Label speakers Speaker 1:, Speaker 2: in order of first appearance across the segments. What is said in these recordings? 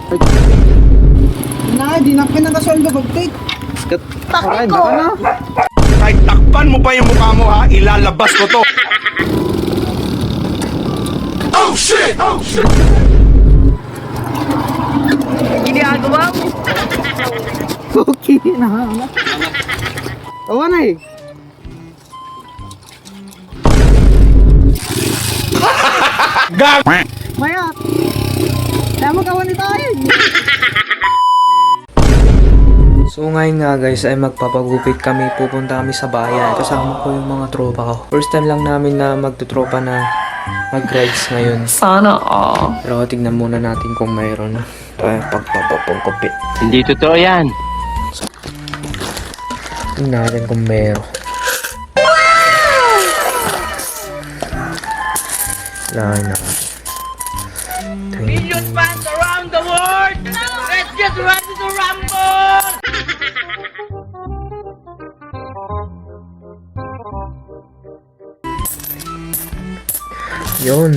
Speaker 1: Di na pinakasoldo pag-take.
Speaker 2: Takay ko!
Speaker 3: Kahit takpan mo pa yung mukha mo ha, ilalabas ko to. Oh shit! Oh shit!
Speaker 2: Ginagawa mo!
Speaker 1: Okay na. Tawa na eh.
Speaker 3: Gag!
Speaker 1: Maya. Kaya mo kawan ito ay.
Speaker 4: So ngayon nga guys ay magpapagupit kami, pupunta kami sa bayan. Kasama ko yung mga tropa ko. First time lang namin na magtutropa na mag-rides ngayon.
Speaker 2: Sana all.
Speaker 4: Pero tignan muna natin kung mayroon tayo pagpapagupit.
Speaker 5: Hindi totoo yan.
Speaker 4: Tignan natin kung mayroon. Wala na.
Speaker 5: Million fans around the world! Let's get ready to rumble!
Speaker 4: Yun.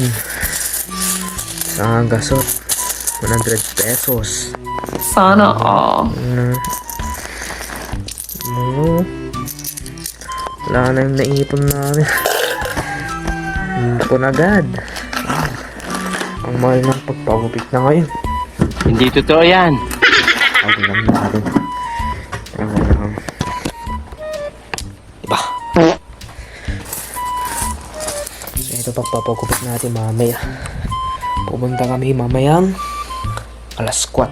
Speaker 4: Sa gasot. 100 pesos.
Speaker 2: Sana all.
Speaker 4: Wala na yung naipon namin. Ipon agad. Ang mahal ng pagpagupit na ngayon.
Speaker 5: Hindi totoo yan.
Speaker 4: Ako lang natin. Ako lang. Diba? So ito pagpapagupit natin mamaya. Pupunta kami mamayang alas 4.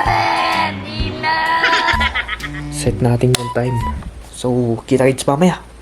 Speaker 4: Set natin yung time. So kita-kits mamaya.